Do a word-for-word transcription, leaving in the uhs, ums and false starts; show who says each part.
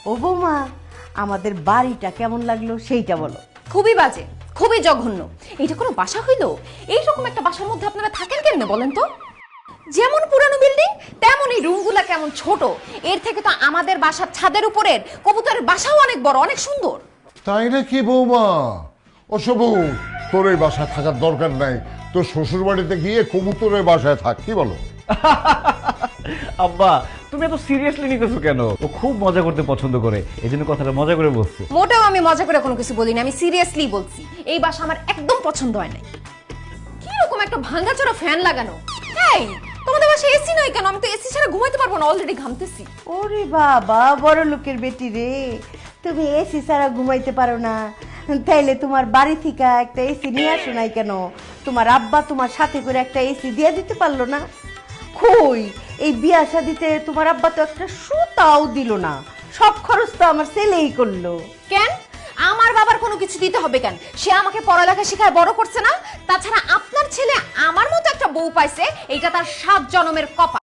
Speaker 1: ও বৌমা, আমাদের বাড়িটা কেমন লাগলো সেইটা বলো।
Speaker 2: খুবই বাজে, খুবই জঘন্য। এইটা কোনো বাসা হইলো? এইরকম একটা বাসার মধ্যে আপনারা থাকেন কেমনে বলেন তো? যেমন পুরানো বিল্ডিং তেমনই রুমগুলা কেমন ছোট। এর থেকে তো আমাদের বাসার ছাদের উপরের কবুতরের বাসাও অনেক বড়, অনেক সুন্দর।
Speaker 3: তাই নাকি বৌমা? ওসব তোর এই বাসায় থাকার দরকার নাই, তোর শ্বশুর বাড়িতে গিয়ে কবুতরের বাসায় থাক, কি বলো?
Speaker 4: আব্বা, তুমি এত সিরিয়াসলি নিতেছো কেন? ও খুব মজা করতে পছন্দ করে, এই জন্য কথাটা মজা করে বলছে।
Speaker 2: মোটেও আমি মজা করে কোনো কিছু বলিনি, আমি সিরিয়াসলি বলছি। এই বাসা আমার একদম পছন্দ হয় নাই। কি রকম একটা ভাঙাচোরা ফ্যান লাগানো। এই তোমাদের বাসায় এসি নাই কেন? আমি তো এসি ছাড়া ঘুমাইতে পারবো না, অলরেডি ঘামতেছি।
Speaker 1: ওরে বাবা, বড় লোকের বেটি রে, তুমি এসি ছাড়া ঘুমাইতে পারো না? তাইলে তোমার বাড়ি থেকে একটা এসি নিয়ে আসো নাই কেন? তোমার আব্বা তোমার সাথে করে একটা এসি দিয়ে দিতে পারলো না? কই, এই বিয়া শাদিতে তোমার আব্বা তো একটা সুতাও দিল না, সব খরচ তো আমার ছেলেই করলো।
Speaker 2: কেন আমার বাবার কোনো কিছু দিতে হবে কেন? সে আমাকে পড়ালেখা শেখায় বড় করছে না? তাছাড়া আপনার ছেলে আমার মতো একটা বউ পাইছে, এটা তার সাত জন্মের কপাল।